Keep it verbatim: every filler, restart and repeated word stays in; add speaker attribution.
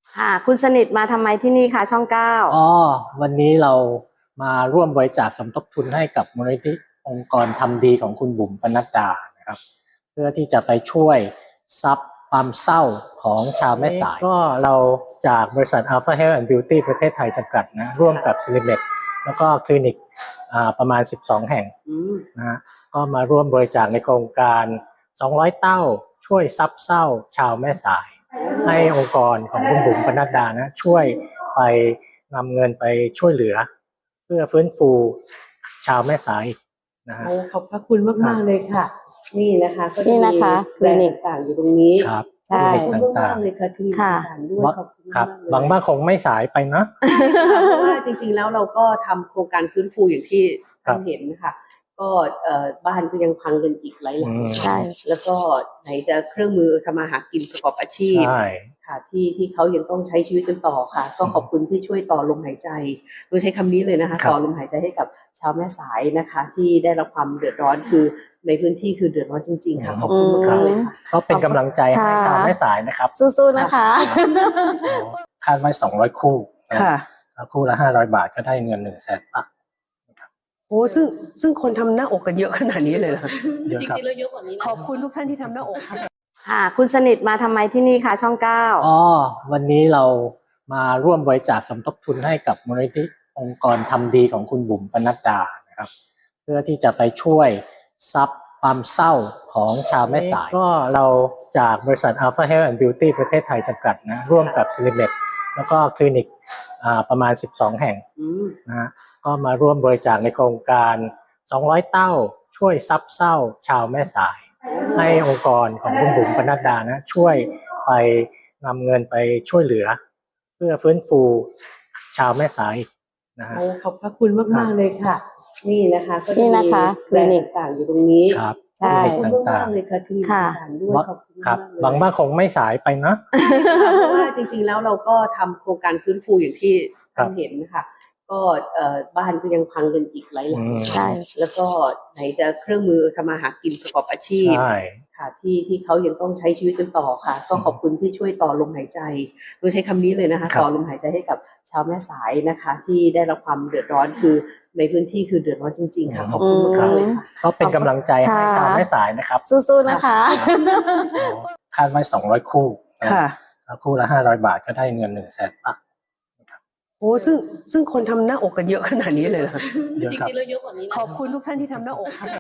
Speaker 1: ค่ะคุณสนิทมาทำไมที่นี่คะช่องเก้า
Speaker 2: อ๋อวันนี้เรามาร่วมบริจาคสมทบทุนให้กับมูลนิธิองค์กรทำดีของคุณบุ๋มปนัดดานะครับเพื่อที่จะไปช่วยซับความเศร้าของชาวแม่สายก็เราจากบริษัท Alpha Health and Beauty ประเทศไทยจำกัดนะร่วมกับ ซิลิเมด แล้วก็คลินิกประมาณสิบสองแห่งนะฮะก็มาร่วมบริจาคในโครงการสองร้อยเต้าช่วยซับเศร้าชาวแม่สายให้องค์กรของคุณบุ๋มปนัดดานะช่วยไปนำเงินไปช่วยเหลือเพื่อฟื้นฟูชาวแม่สายนะฮะ
Speaker 3: ขอบพระคุณมากๆเลยค่ะนี่นะคะก็
Speaker 1: นี่นะคะคลินิก
Speaker 3: ต่างๆอยู่ตรงนี้
Speaker 2: ครับ
Speaker 1: ใช่
Speaker 3: ขอบคุณมากๆเลยค่ะคลินิก
Speaker 1: ค่ะ
Speaker 3: ต่างๆด้วยขอบคุณ
Speaker 2: ครั
Speaker 3: มา
Speaker 2: บ
Speaker 3: กๆเลย
Speaker 2: หวังว่าคงไม่สายไปนะ
Speaker 3: เพราะว่าจริงๆแล้วเราก็ทำโครงการฟื้นฟูอย่างที่
Speaker 2: ครั
Speaker 3: ท่า
Speaker 2: บ
Speaker 3: นเห็นนะคะก็เอ่อบ้านก็ยังพังกันอีกหลายหลัง
Speaker 2: อืม
Speaker 1: ใช่
Speaker 3: แล้วก็ไหนจะเครื่องมือทำมาหากินประกอบอาชีพ
Speaker 2: ใช่
Speaker 3: ค่ะที่ที่เขายังต้องใช้ชีวิตกันต่อค่ะ ก็ขอบคุณที่ช่วยต่อลมหายใจโดยใช้คำนี้เลยนะคะ
Speaker 2: ครับ
Speaker 3: ต่อลมหายใจให้กับชาวแม่สายนะคะ ที่ได้รับความเดือดร้อนคือในพื้นที่คือเดือดร้อนจริงๆค่ะขอบคุณ
Speaker 1: อืม
Speaker 3: มากๆเลยค่ะ
Speaker 2: ก็เป็นกำลังใจให้
Speaker 1: ค่ะ
Speaker 2: ชาวแม่สายนะครับ
Speaker 1: สู้ๆนะคะ
Speaker 2: คาดไว้สองร้อยคู่
Speaker 3: ค่ะ
Speaker 2: แล้วคู่ละห้าร้อยบาทก็ได้เงินหนึ่งแสนบาท
Speaker 3: โอ้ซึ่งซึ่งคนทำหน้าอกกันเยอะขนาดนี้เลยเหรอ
Speaker 2: เยอะ
Speaker 4: จ
Speaker 2: ครับ
Speaker 4: ริงๆแล้วเยอะกว่านี้นะ
Speaker 3: ขอบคุณทุกท่านที่ทำหน้าอกค่ะ
Speaker 1: ค่ะคุณสนิทมาทำไมที่นี่คะช่องเก้า
Speaker 2: อ๋อวันนี้เรามาร่วมบริจาคสมทบทุนให้กับมูลนิธิองค์กรทำดีของคุณบุ๋มปนัดดานะครับเพื่อที่จะไปช่วยซับความเศร้าของชาวแม่สายก็เราจากบริษัท Alpha Health and Beauty ประเทศไทยจำกัดนะร่วมกับ ซิลิเมด แล้วก็คลินิกประมาณสิบสองแห่ง
Speaker 3: อืม
Speaker 2: นะฮะก็มาร่วมบริจาคในโครงการสองร้อยเต้าช่วยซับเศร้าชาวแม่สายให้องค์กรของคุณบุ๋มปนัดดานะช่วยไปนำเงินไปช่วยเหลือเพื่อฟื้นฟูชาวแม่สายนะฮะ
Speaker 3: โอ้ขอบพระคุณมากๆเลยค่ะ นี่นะคะก็
Speaker 1: นี่นะคะคลินิก
Speaker 3: ต่างๆอยู่ตรงนี้
Speaker 2: ครับ
Speaker 1: ใช่
Speaker 3: ขอบคุณมากๆเลยค่ะคลินิก
Speaker 1: ค่ะ
Speaker 3: ต่างๆด้วย
Speaker 2: ว่า
Speaker 3: ขอบคุณ
Speaker 2: ครับ
Speaker 3: มากๆเลย
Speaker 2: หวังว่าคงไม่สายไปนะ
Speaker 3: เพราะว่าจริงๆแล้วเราก็ทำโครงการฟื้นฟูอย่างที่
Speaker 2: ครั
Speaker 3: ท่า
Speaker 2: บ
Speaker 3: นเห็นนะคะก็เอ่อบ้านก็ยังพังกันอีกหลายหลัง
Speaker 2: อืม
Speaker 1: ใช่
Speaker 3: แล้วก็ไหนจะเครื่องมือทำมาหากินประกอบอาชีพ
Speaker 2: ใช่
Speaker 3: ค่ะที่ที่เขายังต้องใช้ชีวิตกันต่อค่ะ ก็ขอบคุณที่ช่วยต่อลมหายใจโดยใช้คำนี้เลยนะคะ
Speaker 2: ครับ
Speaker 3: ต่อลมหายใจให้กับชาวแม่สายนะคะ ที่ได้รับความเดือดร้อนคือในพื้นที่คือเดือดร้อนจริงๆค่ะขอบคุณ
Speaker 1: อืม
Speaker 3: มากๆเลยค่ะ
Speaker 2: ก็เป็นกำลังใจให้ชาวแม่สายนะครับ
Speaker 1: สู้ๆนะคะ
Speaker 2: คาดไว้สองร้อยคู่
Speaker 3: ค่ะ
Speaker 2: แล้วคู่ละห้าร้อยบาทก็ได้เงินหนึ่งแสนบาท
Speaker 3: โอ้ซึ่งซึ่งคนทำหน้าอกกันเยอะขนาดนี้เลยเหรอ
Speaker 2: เยอะ
Speaker 4: จ
Speaker 2: ครับ
Speaker 4: ริงๆแล้วเยอะกว่านี้นะ
Speaker 3: ขอบคุณทุกท่านที่ทำหน้าอกค่ะ